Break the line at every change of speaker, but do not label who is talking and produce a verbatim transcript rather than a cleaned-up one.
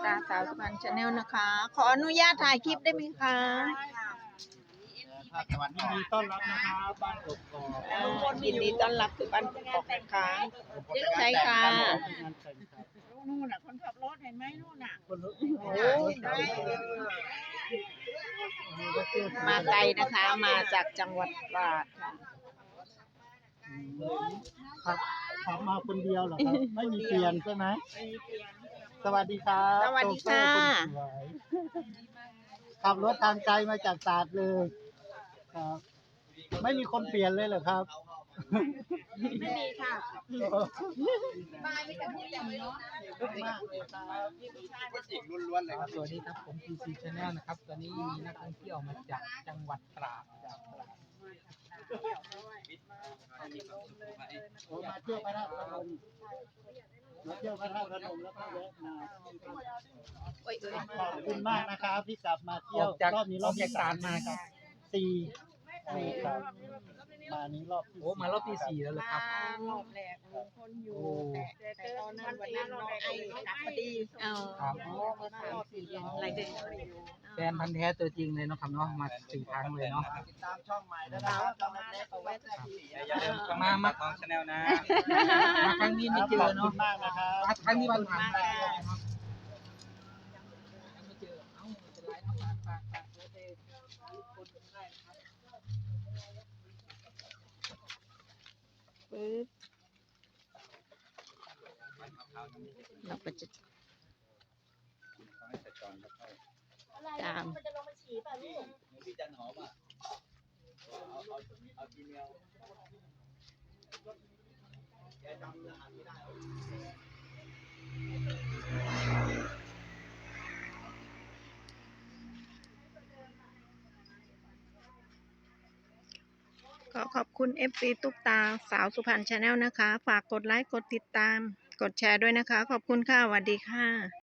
ตาสาวสุพรรณชาแนลนะคะ ขออนุญาตถ่ายคลิปได้ไหมคะ
ยินดีต้อนรับนะครับบ้านกกอก
ยินดีต้อนรับสู่บ้านกกอกนะคะใช่ค่ะ
นู่นน่ะคนขับรถเห็นไหมนู่นน่ะ
โอ้มาไกลนะคะ มาจากจังหวัดตราดค่ะ
ครับขับมาคนเดียวเหรอครับ ไม่มีเปลี่ยนใช่ไหมสวัสดีครับ
สวัสดีค่ะ
โชเฟอร์คนสวยขับรถทางไกลมาจากตราดเลยครับไม่มีคนเปลี่ยนเลยเหรอครับ
ไม่มีค่ะ
มากเลยครับ
ล้วนๆเลยครับสวัสดีครับผม พี ซี Channel นะครับตอนนี้มีนักท่องเที่ยวมาจากจังหวัดตราดจากตราด
โอ้มาเที่ยวพระธาตุพนมมาเที่ยวพระธาตุพนมแล้วก็แวะมาขอบคุณมากนะครับที่กลับมาเที่ยว
จาก
รอบนี้ร
อ
อ
อบ กจาก
ที่
ตรา
สา
ด
ม
มาครับ
สี่ครับมานี้รอบที่
โอ้มารอบที่สี่แล้วเหรอครับ
รอบแรกคนอยู่
โอ้
แต่แต่ตอนนั้นวันนั้นเราไอ้กลับพอดี
เอา
ครับ
มาสามสี่อะไรกันอยู่
แฟนพันธุ์แท้ตัวจริงเลยเนาะครับเนาะมาสี่ครั้งเลยเนาะ
ติดตามช่องใหม่ด้วยนะครับช่องเล็กๆเอาไว้แค่ที่
อย่าลืมมามาของชาแนลนะมาครั้งนี้ไม่เจอ
ขอบคุ
เนาะ
ณมากนะครับ
ครั้งนี้วันผ่านไปเนาะไม่เจอเอ้าไม่เป็นไรเนาะฝากฝากฝากไว้ให้คนได้นะครับ
ปึ๊บเราก็จะตาม
มันจะลงมาฉี่ป่ะลูก
พี่จันหอมอ่ะเอาเอาเอาจีเมลแกจำรหัสไม่ได้
ขอขอบคุณ เอฟ ซี ตุ๊กตาสาวสุพรรณชาแนลนะคะ ฝากกดไลค์ กดติดตาม กดแชร์ด้วยนะคะ ขอบคุณค่ะสวัสดีค่ะ